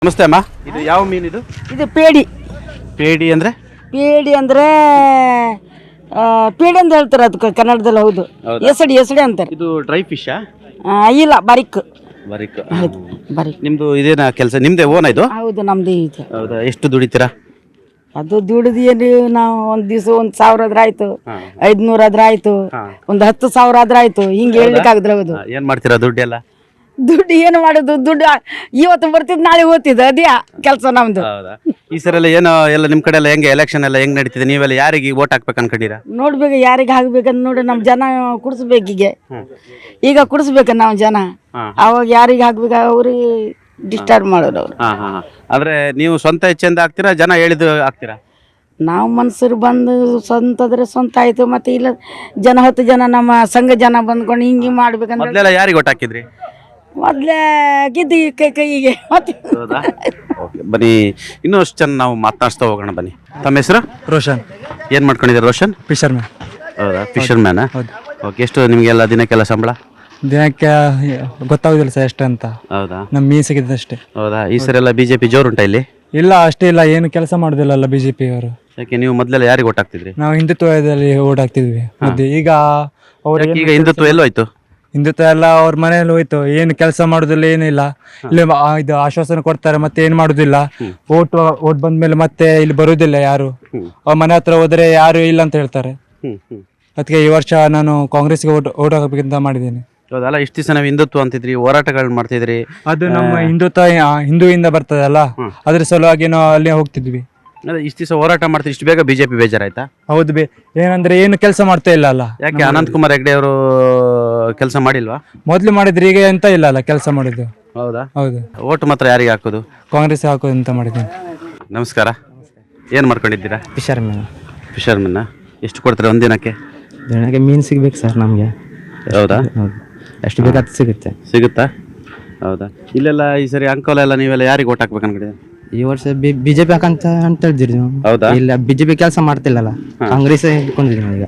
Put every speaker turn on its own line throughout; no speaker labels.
ನಮಸ್ತೆ ಅಮ್ಮ. ಇದು ಯಾವ ಮೀನು ಇದು?
ಇದು ಪೇಡಿ.
ಪೇಡಿ ಅಂದ್ರೆ?
ಪೇಡಿ ಅಂದ್ರೆ ಪೇಡಿ ಅಂತ ಹೇಳ್ತಾರೆ ಅದಕ್ಕೆ ಕನ್ನಡದಲ್ಲಿ. ಹೌದು, ಎಸಡಿ ಎಸಡಿ ಅಂತಾರೆ.
ಇದು ಡ್ರೈ ಫಿಶಾ?
ಇಲ್ಲ, ಬರಿಕ್.
ಬರಿಕ್.
ಬರಿಕ್.
ನಿಮ್ದು ಇದೇನಾ ಕೆಲಸ? ನಿಮ್ದೇ ಓನ್ ಇದು?
ಹೌದು, ನಮ್ದು ಇದೆ.
ಹೌದಾ? ಎಷ್ಟು ದುಡಿತೀರಾ?
ಅದು ದುಡಿದು ಏನು ನಾವು ಒಂದು ದಿವಸ 1,000 ಆದ್ರೆ ಆಯ್ತು, 500 ಆದ್ರೆ ಆಯ್ತು, ಒಂದು 10,000 ಆದ್ರೆ ಆಯ್ತು, ಹಿಂಗೆ ಹೇಳ್ಲಿಕ್ಕೆ ಆಗುದಿಲ್ಲ. ಹೌದು.
ಏನ್ ಮಾಡ್ತೀರಾ ದುಡ್ಡೆಲ್ಲ?
ದುಡ್ಡು ಏನು ಮಾಡೋದು? ದುಡ್ಡು ಇವತ್ತು ಬರ್ತಿದ್ ನಾಳೆ ಹೋಗ್ತಿದ್ದು, ಅದೇ ಕೆಲಸ ನಮ್ದು.
ಹೌದಾ? ಈ ಸರಿ ಎಲ್ಲ ಏನೋ ಎಲ್ಲ ನಿಮ್ ಕಡೆ ಎಲ್ಲ ಹೆಂಗೆ ಎಲೆಕ್ಷನ್ ಎಲ್ಲ ಹೆಂಗ್ ನಡೀತಿದೆ? ನೀವೆಲ್ಲ ಯಾರಿಗೆ ವೋಟ್ ಹಾಕ್ಬೇಕು ಅನ್ಕೊಂಡಿರಾ?
ನೋಡ್ಬೇಕು ಯಾರಿಗೆ ಹಾಕ್ಬೇಕಂತ ನೋಡಿ. ನಮ್ ಜನ ಕುಡಿಸ್ಬೇಕೀಗ. ಈಗ ಕುಡಿಸ್ಬೇಕು ನಾವು ಜನ. ಅವಾಗ ಯಾರಿಗೆ ಹಾಕ್ಬೇಕು ಅವ್ರಿಗೆ ಡಿಸ್ಟರ್ಬ್ ಮಾಡೋರು ಅವ್ರು.
ಆದ್ರೆ ನೀವು ಸ್ವಂತ ಇಚ್ಛೆಯಿಂದ ಹಾಕ್ತೀರಾ, ಜನ ಹೇಳಿದ್ದು ಹಾಕ್ತೀರಾ?
ನಾವು ಮನ್ಸರು ಬಂದು ಸ್ವಂತದ್ರೆ ಸ್ವಂತ ಆಯ್ತು, ಮತ್ತೆ ಇಲ್ಲ ಜನ 10 ಜನ ನಮ್ಮ ಸಂಘ ಜನ ಬಂದ್ಕೊಂಡು ಹಿಂಗೆ ಮಾಡ್ಬೇಕಂದ್ರೆ.
ಮೊದಲೆಲ್ಲ ಯಾರಿಗೆ ವೋಟ್ ಹಾಕಿದ್ರಿ?
ಮೊದ್ಲೇ ಗಿದ್ದಿ ಕೈಗೆ ಮತ್ತೆ.
ಬನ್ನಿ, ಇನ್ನಷ್ಟು ಜನ ನಾವು ಮಾತನಾಡ್ಸ್ತಾ ಹೋಗೋಣ. ಬನ್ನಿ. ತಮ್ಮ ಹೆಸರು?
ರೋಷನ್.
ಏನ್ ಮಾಡ್ಕೊಂಡಿದ್ದೀರಾ ರೋಷನ್?
Fisherman.
ಹೌದಾ? Fisherman. ಓಕೆ. ಎಷ್ಟು ನಿಮಗೆಲ್ಲ ದಿನಕ್ಕೆಲ್ಲ ಸಂಬಳ?
ದಿನಕ್ಕೆ ಗೊತ್ತಾಗುದಿಲ್ಲ ಸರ್ ಎಷ್ಟು ಅಂತ.
ಹೌದಾ?
ನಮ್ಮ ಮೀನ್ ಸಿಗಿದೆ ಅಷ್ಟೇ.
ಹೌದಾ? ಈ ಸರಿ ಎಲ್ಲ ಬಿಜೆಪಿ ಜೋರುಂಟಾ ಇಲ್ಲಿ?
ಇಲ್ಲ, ಅಷ್ಟೇ ಇಲ್ಲ, ಏನು ಕೆಲಸ ಮಾಡುದಿಲ್ಲ ಬಿಜೆಪಿ ಅವರು.
ಯಾಕೆ ನೀವು ಮೊದಲೆಲ್ಲ ಯಾರಿಗೆ ವೋಟ್ ಹಾಕ್ತಿದ್ರಿ?
ನಾವು ಹಿಂದುತ್ವದಲ್ಲಿ ಓಟ್ ಹಾಕ್ತಿದ್ವಿ. ಮತ್ತೆ ಈಗ ಅವ್ರು
ಈಗ ಹಿಂದುತ್ವ ಎಲ್ಲೋಯ್ತು?
ಹಿಂದುತ್ವ ಎಲ್ಲ ಅವ್ರ ಮನೆಯಲ್ಲಿ ಹೋಯ್ತು. ಏನು ಕೆಲಸ ಮಾಡುದಿಲ್ಲ, ಏನಿಲ್ಲ. ಇಲ್ಲಿ ಇದು ಆಶ್ವಾಸನೆ ಕೊಡ್ತಾರೆ, ಮತ್ತೆ ಏನ್ ಮಾಡುದಿಲ್ಲ. ಓಟ್ ಬಂದ್ಮೇಲೆ ಮತ್ತೆ ಇಲ್ಲಿ ಬರುದಿಲ್ಲ ಯಾರು. ಅವ್ರ ಮನೆ ಹತ್ರ ಹೋದ್ರೆ ಯಾರು ಇಲ್ಲ ಅಂತ ಹೇಳ್ತಾರೆ. ಅದಕ್ಕೆ ಈ ವರ್ಷ ನಾನು ಕಾಂಗ್ರೆಸ್ಗೆ ಓಟ್ ಹಾಕಬೇಕಂತ ಮಾಡಿದ್ದೇನೆ.
ಹೌದಲ್ಲ? ಇಷ್ಟು ದಿವಸ ನಾವು ಹಿಂದುತ್ವ ಅಂತಿದ್ರಿ, ಹೋರಾಟಗಳು ಮಾಡ್ತಿದ್ರಿ.
ಅದು ನಮ್ಮ ಹಿಂದುತ್ವ ಹಿಂದೂಯಿಂದ ಬರ್ತದಲ್ಲ, ಅದ್ರ ಸಲುವಾಗಿ ನಾವು ಅಲ್ಲಿ ಹೋಗ್ತಿದ್ವಿ.
ಇಷ್ಟು ದಿವಸ ಹೋರಾಟ ಮಾಡ್ತೀವಿ, ಇಷ್ಟು ಬೇಗ ಬಿಜೆಪಿ ಬೇಜಾರಾಯ್ತಾ?
ಹೌದು, ಏನಂದ್ರೆ ಏನು ಕೆಲಸ ಮಾಡ್ತಾ ಇಲ್ಲ ಅಲ್ಲ.
ಯಾಕೆ ಅನಂತಕುಮಾರ್ ಹೆಗಡೆ ಅವರು ಕೆಲಸ ಮಾಡಿಲ್ವಾ?
ಮೊದ್ಲು ಮಾಡಿದ್ರೆ ಈಗ ಎಂತ ಇಲ್ಲ ಅಲ್ಲ ಕೆಲಸ ಮಾಡಿದ್ದು.
ಹೌದಾ?
ಹೌದು.
ಓಟ್ ಮಾತ್ರ ಯಾರಿಗೆ ಹಾಕೋದು?
ಕಾಂಗ್ರೆಸ್ ಹಾಕೋದು ಅಂತ ಮಾಡಿದ್ದೀನಿ.
ನಮಸ್ಕಾರ. ಏನು ಮಾಡ್ಕೊಂಡಿದ್ದೀರಾ?
Fisherman.
Fisherman. ಎಷ್ಟು ಕೊಡ್ತೀರಾ ಒಂದಿನಕ್ಕೆ?
ದಿನಕ್ಕೆ ಮೀನು ಸಿಗ್ಬೇಕು ಸರ್ ನಮಗೆ.
ಹೌದಾ?
ಎಷ್ಟು ಬೇಕಾದ ಸಿಗುತ್ತೆ.
ಸಿಗುತ್ತಾ? ಹೌದಾ? ಇಲ್ಲೆಲ್ಲ ಈ ಸರಿ ಅಂಕೋಲ ಎಲ್ಲ ನೀವೆಲ್ಲ ಯಾರಿಗೆ ಓಟ್ ಹಾಕ್ಬೇಕು ಅನ್ಕೊಂಡಿದ್ದೀರಾ?
ಈ ವರ್ಷ ಬಿಜೆಪಿ ಹಾಕಂತ ಅಂತ ಹೇಳ್ತೀರಿ ನೀವು.
ಹೌದಾ?
ಇಲ್ಲ, ಬಿಜೆಪಿ ಕೆಲಸ ಮಾಡ್ತಿಲ್ಲಲ್ಲ, ಕಾಂಗ್ರೆಸ್ ಇಟ್ಕೊಂಡಿದ್ದೀವಿ ನಾವು ಈಗ.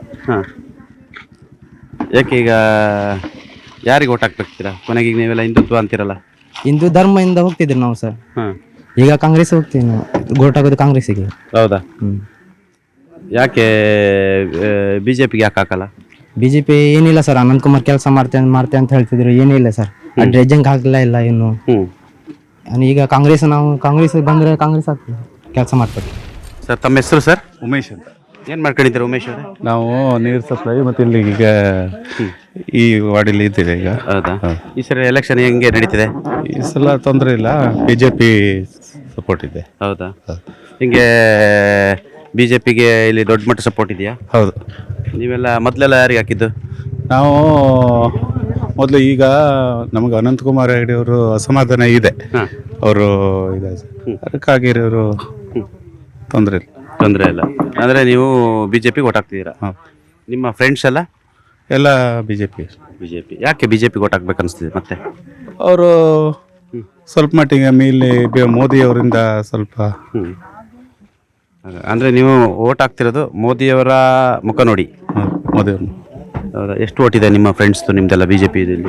ಯಾಕೆ ಈಗ ಯಾರಿಗೆ ಓಟ್ ಹಾಕ್ಬೇಕ್ತೀರಾ? ಕೊನೆಗೆ ಈಗ ನೀವೆಲ್ಲ ಹಿಂದುತ್ವ ಅಂತೀರಲ್ಲ.
ಹಿಂದೂ ಧರ್ಮದಿಂದ ಹೋಗ್ತಿದ್ರಿ ನಾವು ಸರ್. ಈಗ ಕಾಂಗ್ರೆಸ್ ಹೋಗ್ತೀವಿ ನಾವು. ಓಟ್ ಹಾಕೋದು ಕಾಂಗ್ರೆಸ್ಸಿಗೆ.
ಹೌದಾ? ಯಾಕೆ ಬಿಜೆಪಿಗೆ ಯಾಕೆ ಹಾಕಲ್ಲ?
ಬಿಜೆಪಿ ಏನಿಲ್ಲ ಸರ್, ಅನಂತಕುಮಾರ್ ಕೆಲಸ ಮಾಡ್ತೆ ಅಂತ ಹೇಳ್ತಿದ್ರು, ಏನಿಲ್ಲ ಸರ್. ಡ್ರೆಜ್ಜಿಂಗ್ ಹಾಕಲಿಲ್ಲ ಇಲ್ಲ ಇನ್ನು. ಈಗ ನಾವು ಕಾಂಗ್ರೆಸ್ ಬಂದ್ರೆ ಕಾಂಗ್ರೆಸ್ ಆಗ್ತದೆ, ಕೆಲಸ ಮಾಡ್ತಾರೆ.
ಸರ್, ತಮ್ಮ ಹೆಸರು ಸರ್?
ಉಮೇಶ್ ಅಂತ.
ಏನು ಮಾಡ್ಕೊಂಡಿದ್ದೀರಾ ಉಮೇಶ್ ಅವರೇ?
ನಾವು ನೀರು ಸಪ್ಲೈ ಮತ್ತು ಇಲ್ಲಿ ಈಗ ಈ ವಾರ್ಡಲ್ಲಿ ಇದ್ದೀವಿ ಈಗ.
ಹೌದಾ? ಈ ಸರಿ ಎಲೆಕ್ಷನ್ ಹೆಂಗೆ ನಡೀತಿದೆ?
ಈ ಸಲ ತೊಂದರೆ ಇಲ್ಲ, ಬಿಜೆಪಿ ಸಪೋರ್ಟ್ ಇದೆ.
ಹೌದಾ? ಹಿಂಗೆ ಬಿಜೆಪಿಗೆ ಇಲ್ಲಿ ದೊಡ್ಡ ಮಟ್ಟ ಸಪೋರ್ಟ್ ಇದೆಯಾ?
ಹೌದು.
ನೀವೆಲ್ಲ ಮೊದಲೆಲ್ಲ ಯಾರಿಗೆ ಹಾಕಿದ್ದು?
ನಾವು ಮೊದಲು, ಈಗ ನಮಗೆ ಅನಂತಕುಮಾರ್ ಹೆಗಡೆ ಅವರು ಅಸಮಾಧಾನ ಇದೆ, ಅವರು ಇದೆ, ಅದಕ್ಕಾಗಿ ಅವರು ತೊಂದರೆ
ಇಲ್ಲ. ಅಂದರೆ ನೀವು ಬಿಜೆಪಿಗೆ ಓಟ್ ಹಾಕ್ತಿದ್ದೀರಾ? ನಿಮ್ಮ ಫ್ರೆಂಡ್ಸ್
ಎಲ್ಲ ಬಿಜೆಪಿ.
ಯಾಕೆ ಬಿಜೆಪಿಗೆ ಓಟ್ ಹಾಕ್ಬೇಕು ಅನಿಸ್ತಿದೆ ಮತ್ತೆ?
ಅವರು ಸ್ವಲ್ಪ ಮಟ್ಟಿಗೆ ಮೇಲೆ ಮೋದಿ ಅವರಿಂದ ಸ್ವಲ್ಪ.
ಅಂದರೆ ನೀವು ಓಟ್ ಹಾಕ್ತಿರೋದು ಮೋದಿಯವರ ಮುಖ ನೋಡಿ?
ಮೋದಿ ಅವರು.
ಹೌದಾ? ಎಷ್ಟು ಓಟ್ ಇದೆ ನಿಮ್ಮ ಫ್ರೆಂಡ್ಸ್ದು ನಿಮ್ದೆಲ್ಲ ಬಿಜೆಪಿ ಇಲ್ಲಿ?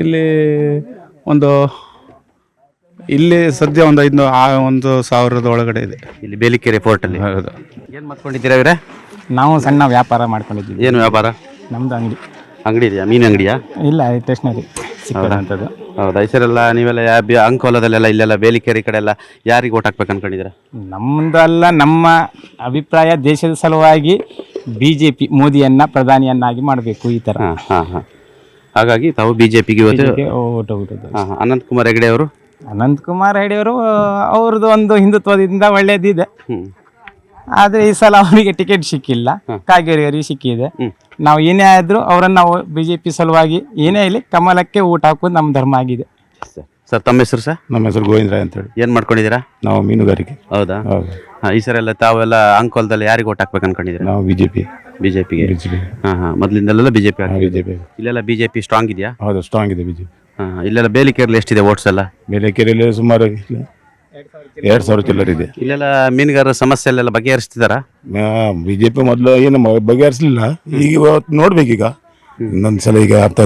ಇಲ್ಲಿ ಸದ್ಯ ಒಂದು 1,000 ಒಳಗಡೆ ಇದೆ
ಇಲ್ಲಿ ಬೇಲಿಕೆರೆ ಫೋರ್ಟಲ್ಲಿ.
ಹೌದು.
ಏನು ಮಾಡ್ಕೊಂಡಿದ್ದೀರಾ ಇವರೇ?
ನಾವು ಸಣ್ಣ ವ್ಯಾಪಾರ ಮಾಡ್ಕೊಂಡಿದ್ದೀವಿ.
ಏನು ವ್ಯಾಪಾರ?
ನಮ್ದು
ಅಂಗಡಿ ಇದೆಯಾ? ಮೀನು ಅಂಗಡಿಯಾ?
ಇಲ್ಲ, ಸ್ಟೇಷನರಿ ಸಿಕ್ಕದಂಥದ್ದು.
ಹೌದಾ? ಈ ಸರಿ ಎಲ್ಲ ನೀವೆಲ್ಲ ಅಂಕೋಲದಲ್ಲೆಲ್ಲ ಇಲ್ಲೆಲ್ಲ ಬೇಲಿಕೆರೆ ಕಡೆ ಎಲ್ಲ ಯಾರಿಗೆ ಓಟ್ ಹಾಕ್ಬೇಕು ಅನ್ಕೊಂಡಿದ್ದೀರಾ?
ನಮ್ಮದು ಅಲ್ಲ, ನಮ್ಮ ಅಭಿಪ್ರಾಯ ದೇಶದ ಸಲುವಾಗಿ ಬಿಜೆಪಿ ಮೋದಿಯನ್ನ ಪ್ರಧಾನಿಯನ್ನಾಗಿ ಮಾಡಬೇಕು ಈ ಥರ.
ಹಾಗಾಗಿ ತಾವು ಬಿಜೆಪಿಗೆ
ಓಟ್ ಹೋಗುತ್ತದೆ.
ಅನಂತಕುಮಾರ್ ಹೆಗಡೆ ಅವರು?
ಅನಂತಕುಮಾರ್ ಹೆಗಡೆ ಅವರು ಅವ್ರದ್ದು ಒಂದು ಹಿಂದುತ್ವದಿಂದ ಒಳ್ಳೇದಿದೆ. ಆದರೆ ಈ ಸಲ ಅವರಿಗೆ ಟಿಕೆಟ್ ಸಿಕ್ಕಿಲ್ಲ, ಕಾಗೇರಿಯವರಿಗೆ ಸಿಕ್ಕಿದೆ. ನಾವು ಏನೇ ಆದರೂ ಅವರನ್ನು ನಾವು ಬಿಜೆಪಿ ಸಲುವಾಗಿ ಏನೇ ಇಲ್ಲಿ ಕಮಲಕ್ಕೆ ಊಟ ಹಾಕೋದು ನಮ್ಮ ಧರ್ಮ ಆಗಿದೆ.
ಸರ್, ತಮ್ಮ ಹೆಸರು ಸರ್?
ನಮ್ಮ ಹೆಸರು ಗೋವಿಂದ್ರ ಅಂತೇಳಿ.
ಏನು ಮಾಡ್ಕೊಂಡಿದ್ದೀರಾ?
ನಾವು ಮೀನುಗಾರಿಕೆ.
ಹೌದಾ? ಈ ಸರಿ ಎಲ್ಲ ತಾವೆಲ್ಲ ಅಂಕೋಲದಲ್ಲಿ ಯಾರಿಗೆ ಓಟ್ ಹಾಕ್ಬೇಕು ಅನ್ಕೊಂಡಿದ್ದೀರಾ?
ನಾವು ಬಿಜೆಪಿಗೆ.
ಮೊದಲಿಂದಲೆಲ್ಲ ಬಿಜೆಪಿ. ಇಲ್ಲೆಲ್ಲ ಬಿಜೆಪಿ ಸ್ಟ್ರಾಂಗ್ ಇದೆಯಾ?
ಹೌದು, ಸ್ಟ್ರಾಂಗ್ ಇದೆ ಬಿಜೆಪಿ.
ಇಲ್ಲೆಲ್ಲ ಬೇಲಿಕೆರೆಯಲ್ಲಿ ಎಷ್ಟಿದೆ ಓಟ್ಸ್ ಎಲ್ಲ?
ಬೇಲಿಕೆರೆಯಲ್ಲಿ ಸುಮಾರು 2,000 ಚಿಲ್ಲರ್ ಇದೆ.
ಇಲ್ಲೆಲ್ಲ ಮೀನುಗಾರರ ಸಮಸ್ಯೆ ಎಲ್ಲ ಬಗೆಹರಿಸ್ತಿದಾರಾ?
ಬಿಜೆಪಿ ಮೊದಲು ಏನು ಬಗೆಹರಿಸಲಿಲ್ಲ, ಈಗ ನೋಡ್ಬೇಕೀಗ ಇನ್ನೊಂದ್ಸಲ ಈಗ ಆಗ್ತಂದೆ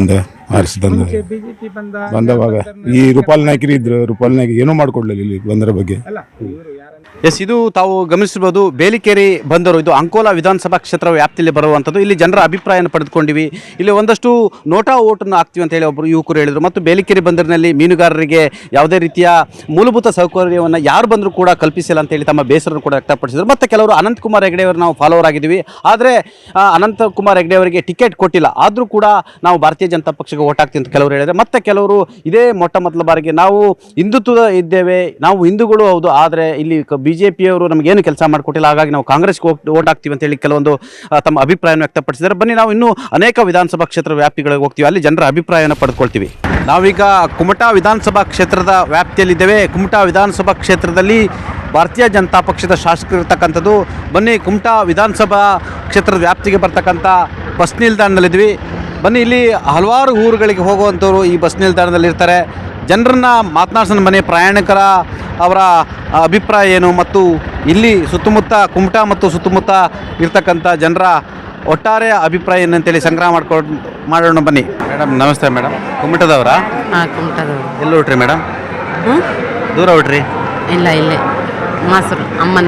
ಆರಿಸಿ ತಂದ ಬಂದವಾಗ ಈ ರೂಪಾಲ್ ನಾಯ್ಕರು ಇದ್ರು, ರೂಪಾಲ್ ನಾಯ್ಕ ಏನೂ ಮಾಡ್ಕೊಡ್ಲಿಲ್ಲ ಇಲ್ಲಿ ಬಂದರ ಬಗ್ಗೆ.
ಎಸ್, ಇದು ತಾವು ಗಮನಿಸಿರ್ಬೋದು. ಬೇಲಿಕೇರಿ ಬಂದರು ಇದು ಅಂಕೋಲಾ ವಿಧಾನಸಭಾ ಕ್ಷೇತ್ರ ವ್ಯಾಪ್ತಿಯಲ್ಲಿ ಬರುವಂಥದ್ದು. ಇಲ್ಲಿ ಜನರ ಅಭಿಪ್ರಾಯನ ಪಡೆದುಕೊಂಡಿವಿ. ಇಲ್ಲಿ ಒಂದಷ್ಟು ನೋಟಾ ಓಟನ್ನು ಹಾಕ್ತೀವಿ ಅಂತ ಹೇಳಿ ಒಬ್ಬರು ಯುವಕರು ಹೇಳಿದರು. ಮತ್ತು ಬೇಲಿಕೇರಿ ಬಂದರಿನಲ್ಲಿ ಮೀನುಗಾರರಿಗೆ ಯಾವುದೇ ರೀತಿಯ ಮೂಲಭೂತ ಸೌಕರ್ಯವನ್ನು ಯಾರು ಬಂದರೂ ಕೂಡ ಕಲ್ಪಿಸಿಲ್ಲ ಅಂತೇಳಿ ತಮ್ಮ ಬೇಸರನ್ನು ಕೂಡ ವ್ಯಕ್ತಪಡಿಸಿದರು. ಮತ್ತು ಕೆಲವರು ಅನಂತಕುಮಾರ್ ಹೆಗಡೆ ಅವರು ನಾವು ಫಾಲೋವರ್ ಆಗಿದ್ದೀವಿ, ಆದರೆ ಅನಂತಕುಮಾರ್ ಹೆಗಡೆ ಅವರಿಗೆ ಟಿಕೆಟ್ ಕೊಟ್ಟಿಲ್ಲ, ಆದರೂ ಕೂಡ ನಾವು ಭಾರತೀಯ ಜನತಾ ಪಕ್ಷಕ್ಕೆ ಓಟ್ ಹಾಕ್ತೀವಿ ಅಂತ ಕೆಲವರು ಹೇಳಿದರೆ, ಮತ್ತು ಕೆಲವರು ಇದೇ ಮೊಟ್ಟ ಮೊದಲ ಬಾರಿಗೆ ನಾವು ಹಿಂದುತ್ವದ ಇದ್ದೇವೆ, ನಾವು ಹಿಂದೂಗಳು ಹೌದು, ಆದರೆ ಇಲ್ಲಿ ಬಿಜೆಪಿಯವರು ನಮಗೇನು ಕೆಲಸ ಮಾಡಿಕೊಟ್ಟಿಲ್ಲ, ಹಾಗಾಗಿ ನಾವು ಕಾಂಗ್ರೆಸ್ಗೆ ಓಟ್ ಹಾಕ್ತೀವಿ ಅಂತೇಳಿ ಕೆಲವೊಂದು ತಮ್ಮ ಅಭಿಪ್ರಾಯವನ್ನು ವ್ಯಕ್ತಪಡಿಸಿದ್ದಾರೆ. ಬನ್ನಿ ನಾವು ಇನ್ನೂ ಅನೇಕ ವಿಧಾನಸಭಾ ಕ್ಷೇತ್ರ ವ್ಯಾಪ್ತಿಗಳಿಗೆ ಹೋಗ್ತೀವಿ, ಅಲ್ಲಿ ಜನರ ಅಭಿಪ್ರಾಯವನ್ನು ಪಡೆದುಕೊಳ್ತೀವಿ. ನಾವೀಗ ಕುಮಟಾ ವಿಧಾನಸಭಾ ಕ್ಷೇತ್ರದ ವ್ಯಾಪ್ತಿಯಲ್ಲಿದ್ದೇವೆ. ಕುಮಟಾ ವಿಧಾನಸಭಾ ಕ್ಷೇತ್ರದಲ್ಲಿ ಭಾರತೀಯ ಜನತಾ ಪಕ್ಷದ ಶಾಸಕರು ಇರ್ತಕ್ಕಂಥದ್ದು. ಬನ್ನಿ, ಕುಮಟಾ ವಿಧಾನಸಭಾ ಕ್ಷೇತ್ರದ ವ್ಯಾಪ್ತಿಗೆ ಬರ್ತಕ್ಕಂಥ ಬಸ್ ನಿಲ್ದಾಣದಲ್ಲಿದ್ವಿ. ಬನ್ನಿ, ಇಲ್ಲಿ ಹಲವಾರು ಊರುಗಳಿಗೆ ಹೋಗುವಂಥವ್ರು ಈ ಬಸ್ ನಿಲ್ದಾಣದಲ್ಲಿ ಇರ್ತಾರೆ. ಜನರನ್ನ ಮಾತನಾಡ್ಸೋಣ ಬನ್ನಿ, ಪ್ರಯಾಣಿಕರ ಅವರ ಅಭಿಪ್ರಾಯ ಏನು ಮತ್ತು ಇಲ್ಲಿ ಸುತ್ತಮುತ್ತ ಕುಮಟಾ ಮತ್ತು ಸುತ್ತಮುತ್ತ ಇರ್ತಕ್ಕಂಥ ಜನರ ಒಟ್ಟಾರೆ ಅಭಿಪ್ರಾಯ ಏನಂತೇಳಿ ಸಂಗ್ರಹ ಮಾಡೋಣ ಬನ್ನಿ. ಮೇಡಮ್ ನಮಸ್ತೆ. ಮೇಡಮ್ ಕುಮಟದವರಾ?
ಹಾಂ, ಕುಮಟದವರು.
ಎಲ್ಲಿ ಹೊಟ್ರಿ ಮೇಡಮ್? ದೂರ ಹೊಟ್ರಿ?
ಇಲ್ಲ, ಇಲ್ಲೇ ಮಾಸರು ಅಮ್ಮನ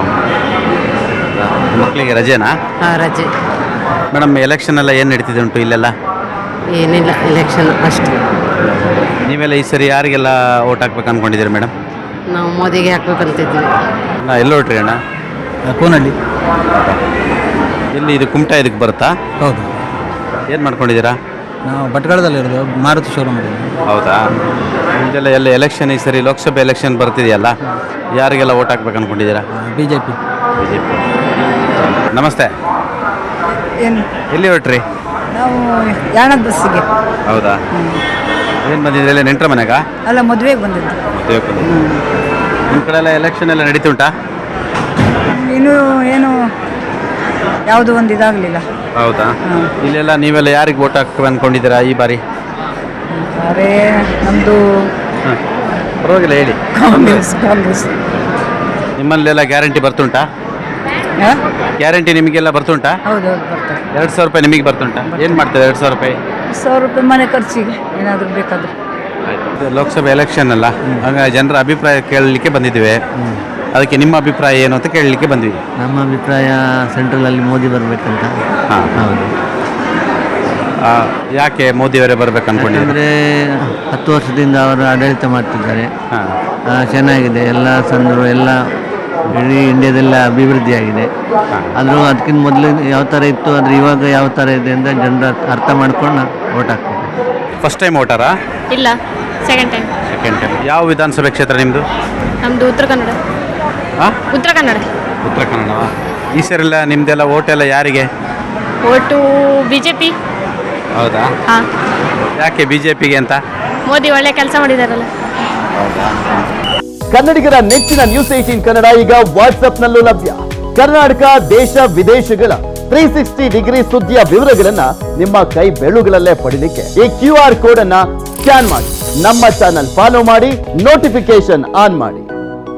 ಮಕ್ಕಳಿಗೆ ರಜೆನಾ?
ಹಾಂ, ರಜೆ.
ಮೇಡಮ್ ಎಲೆಕ್ಷನ್ ಎಲ್ಲ ಏನು ನಡೀತಿದೆ ಉಂಟು ಇಲ್ಲೆಲ್ಲ?
ಏನಿಲ್ಲ, ಎಲೆಕ್ಷನ್ ಅಷ್ಟು.
ನೀವೆಲ್ಲ ಈ ಸರಿ ಯಾರಿಗೆಲ್ಲ ಓಟ್ ಹಾಕ್ಬೇಕು ಅಂದ್ಕೊಂಡಿದ್ದೀರಿ ಮೇಡಮ್?
ನಾವು ಮೋದಿಗೆ ಹಾಕ್ಬೇಕಂತಿದ್ವಿ.
ನಾ ಎಲ್ಲಿ ಹೊಟ್ರಿ ಅಣ್ಣ?
ಕೋನಹಳ್ಳಿ.
ಎಲ್ಲಿ ಇದು ಕುಮಟಾ ಇದಕ್ಕೆ ಬರುತ್ತಾ?
ಹೌದು.
ಏನು ಮಾಡ್ಕೊಂಡಿದ್ದೀರಾ?
ನಾವು ಭಟ್ಕಳದಲ್ಲಿರೋದು, ಮಾರುತಿ ಶೋರೂಮ್.
ಹೌದಾ? ನಿಮ್ಮದೆಲ್ಲ ಎಲ್ಲ ಎಲೆಕ್ಷನ್ ಈ ಸರಿ ಲೋಕಸಭೆ ಎಲೆಕ್ಷನ್ ಬರ್ತಿದೆಯಲ್ಲ, ಯಾರಿಗೆಲ್ಲ ಓಟ್ ಹಾಕ್ಬೇಕು ಅಂದ್ಕೊಂಡಿದ್ದೀರಾ?
BJP.
ನಮಸ್ತೆ.
ಏನು
ಎಲ್ಲಿ ಹೊಟ್ರಿ?
ನಾವು ಯಾಣದ ಬಸ್ಸಿಗೆ.
ಹೌದಾ? ಏನು ಬಂದಿದ್ರೆ ಎಲ್ಲ ನೆಂಟ್ರ ಮನೆಗ?
ಅಲ್ಲ, ಮದುವೆಗೆ ಬಂದಿದ್ದು.
ಮದುವೆ ನಿಮ್ಮ ಕಡೆ ಎಲ್ಲ ಎಲೆಕ್ಷನ್ ಎಲ್ಲ ನಡೀತುಂಟಾ?
ಇನ್ನೂ ಏನು ಯಾವುದು ಒಂದು ಇದಾಗಲಿಲ್ಲ.
ಹೌದಾ? ಇಲ್ಲೆಲ್ಲ ನೀವೆಲ್ಲ ಯಾರಿಗೆ ಓಟ್ ಹಾಕ್ಬೇಕು ಅಂದ್ಕೊಂಡಿದ್ದೀರಾ ಈ ಬಾರಿ?
ಅರೆ, ನಮ್ಮದು
ಪರವಾಗಿಲ್ಲ ಹೇಳಿ.
ಕಾಂಗ್ರೆಸ್. ಕಾಂಗ್ರೆಸ್.
ನಿಮ್ಮಲ್ಲೆಲ್ಲ ಗ್ಯಾರಂಟಿ ಬರ್ತುಂಟಾ? ಗ್ಯಾರಂಟಿ ನಿಮಗೆಲ್ಲ ಬರ್ತುಂಟಾ?
ಹೌದು, ಹೌದು, ಬರ್ತಾರೆ.
2,000 ರೂಪಾಯಿ ನಿಮಗೆ ಬರ್ತುಂಟಾ? ಏನು ಮಾಡ್ತಾರೆ 2,000 ರೂಪಾಯಿ?
1,000 ರೂಪಾಯಿ ಮನೆ ಖರ್ಚಿಗೆ ಏನಾದರೂ ಬೇಕಾದ್ರೆ.
ಇದು ಲೋಕಸಭೆ ಎಲೆಕ್ಷನ್ ಅಲ್ಲ, ಹಾಗಾಗಿ ಜನರ ಅಭಿಪ್ರಾಯ ಕೇಳಲಿಕ್ಕೆ ಬಂದಿದ್ದೀವಿ. ಅದಕ್ಕೆ ನಿಮ್ಮ ಅಭಿಪ್ರಾಯ ಏನು ಅಂತ ಕೇಳಲಿಕ್ಕೆ ಬಂದ್ವಿ.
ನಮ್ಮ ಅಭಿಪ್ರಾಯ ಸೆಂಟ್ರಲಲ್ಲಿ ಮೋದಿ ಬರಬೇಕಂತ.
ಹಾಂ,
ಹೌದು.
ಯಾಕೆ ಮೋದಿಯವರೇ ಬರ್ಬೇಕು ಅಂದ್ಕೊಂಡಿದ್ದಾರೆ?
ಅಂದರೆ 10 ವರ್ಷದಿಂದ ಅವರು ಆಡಳಿತ ಮಾಡ್ತಿದ್ದಾರೆ.
ಹಾಂ,
ಚೆನ್ನಾಗಿದೆ. ಎಲ್ಲ ಸಂದರು ಎಲ್ಲ ಇಡೀ ಇಂಡಿಯಾದೆಲ್ಲ ಅಭಿವೃದ್ಧಿ ಆಗಿದೆ. ಆದರೂ ಅದಕ್ಕಿಂತ ಮೊದಲು ಯಾವ ಥರ ಇತ್ತು, ಆದರೆ ಇವಾಗ ಯಾವ ಥರ ಇದೆ ಅಂತ ಜನರು ಅರ್ಥ ಮಾಡ್ಕೊಂಡು ಓಟ್ ಹಾಕ್ತಾರೆ.
ಫಸ್ಟ್ ಟೈಮ್ ಓಟಾರಾ?
ಇಲ್ಲ, ಸೆಕೆಂಡ್ ಟೈಮ್.
Second time. ಯಾವ ವಿಧಾನಸಭೆ ಕ್ಷೇತ್ರ ನಿಮ್ಮದು?
ನಮ್ಮದು ಉತ್ತರ ಕನ್ನಡ.
ಹಾಂ,
ಉತ್ತರ ಕನ್ನಡ.
ಉತ್ತರ ಕನ್ನಡವಾ? ಈ ಸರಿಲ್ಲ ನಿಮ್ಮದೆಲ್ಲ ಓಟೆಲ್ಲ ಯಾರಿಗೆ?
Vote BJP.
ಹೌದಾ?
ಹಾಂ.
ಯಾಕೆ BJPಗೆ ಅಂತ?
ಮೋದಿ ಒಳ್ಳೆ ಕೆಲಸ ಮಾಡಿದಾರಲ್ಲ.
ಕನ್ನಡಿಗರ ನೆಚ್ಚಿನ ನ್ಯೂಸ್ 18 ಕನ್ನಡ ಈಗ ವಾಟ್ಸ್ಆಪ್ನಲ್ಲೂ ಲಭ್ಯ. ಕರ್ನಾಟಕ, ದೇಶ ವಿದೇಶಗಳ 360 ಡಿಗ್ರಿ ಸುದ್ದಿಯ ವಿವರಗಳನ್ನ ನಿಮ್ಮ ಕೈ ಬೆರಳುಗಳಲ್ಲೇ ಪಡಿಲಿಕ್ಕೆ ಈ QR ಕೋಡ್ ಅನ್ನ ಸ್ಕ್ಯಾನ್ ಮಾಡಿ, ನಮ್ಮ ಚಾನಲ್ ಫಾಲೋ ಮಾಡಿ, ನೋಟಿಫಿಕೇಶನ್ ಆನ್ ಮಾಡಿ.